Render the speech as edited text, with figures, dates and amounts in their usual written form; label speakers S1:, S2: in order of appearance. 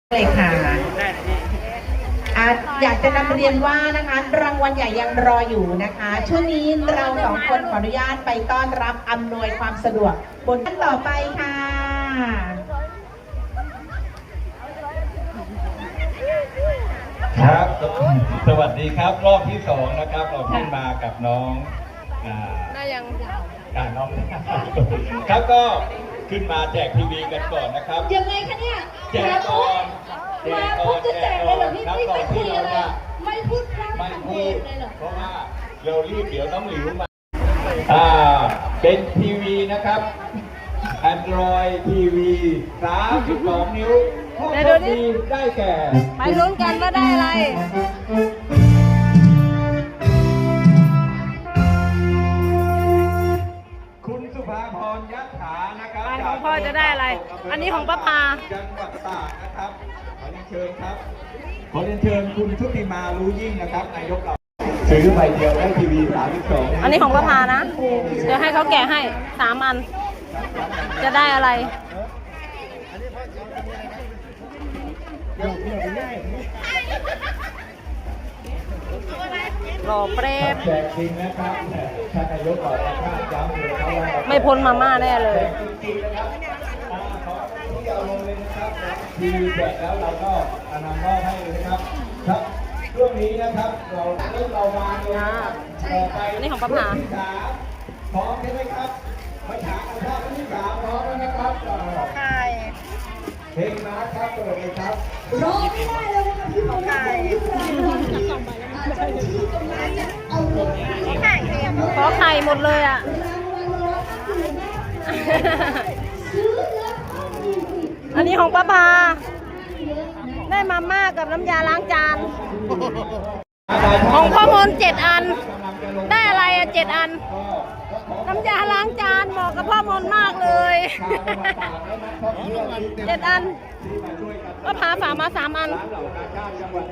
S1: เลยค่ะอยากจะนำเรียนว่านะคะรางวัลใหญ่ยังรออยู่นะคะช่วงนี้เราสองคนขออนุญาตไปต้อนรับอำนวยความสะดวกบนท่านต่อไปค่ะ
S2: ครับสวัสดีครับรอบที่2นะครับเราขึ้นมากับน้อง
S3: ได้ยัง
S2: น้องครับก็ขึ้นมาแจกทีวีกันก่อนนะครับ
S4: ยังไงคะเนี่ย
S2: แจกก่อน
S4: มาปุ๊บจะแจกเลยเหรอพี่ไม่คุยอะไรไม่พูด
S2: ไม่พูด
S4: เลยเหรอ
S2: เพราะว่าเรารีบเดี๋ยวน้องหลิวมาเป็นทีวีนะครับ Android TV 32 นิ้วผู้โชคดีได้แก่
S3: ไปลุ้นกันว่าได้อะไร
S2: คุณสุภาพรยัตถานะครับ
S3: ของพ่อจะได้อะไรอันนี้ของป้าพา
S2: จังหวัดตากนะครับขอเรียนเชิญครับขอเรียนเชิญคุณชุติมารู้ยิ่งนะครับนายกเราซื้อใบเดียวได้ทีวี32
S3: อันนี้ของป้าพานะเดี๋ยวให้เขาแกะให้3 อันจะได้อะไรหล่อเปรต
S2: แจกจริงนะครับท่านนายกบอกว่าย้ำเลยครับว่า
S3: ไม่พ้นมาม่าแน่เลย
S2: ที่เอาลงเลยนะครับทีวีแจกแล้วเราก็นำมอบให้เลยนะครับครับช่วงนี้นะครับเรามาเลย
S3: อันนี้ของป้าพา
S2: พร้อมใช่ไหมครับมาถามกันว่าที่3พร้อมแล้วนะครับ
S3: ใช่
S2: เพลงมาครับเปิดเลยครับ
S4: รอไม่ได้เลยนะคะพี่ผมได้ที่ตรงนั้นเนี่ยเอาลง
S3: ขอไข่หมดเลยอ่ะอันนี้ของป้าพาได้มาม่ากับน้ำยาล้างจานของพ่อมน7 อันได้อะไรอ่ะ7 อันน้ำยาล้างจานเหมาะกับพ่อมนมากเลย7 อันก็พาฝากมา3 อัน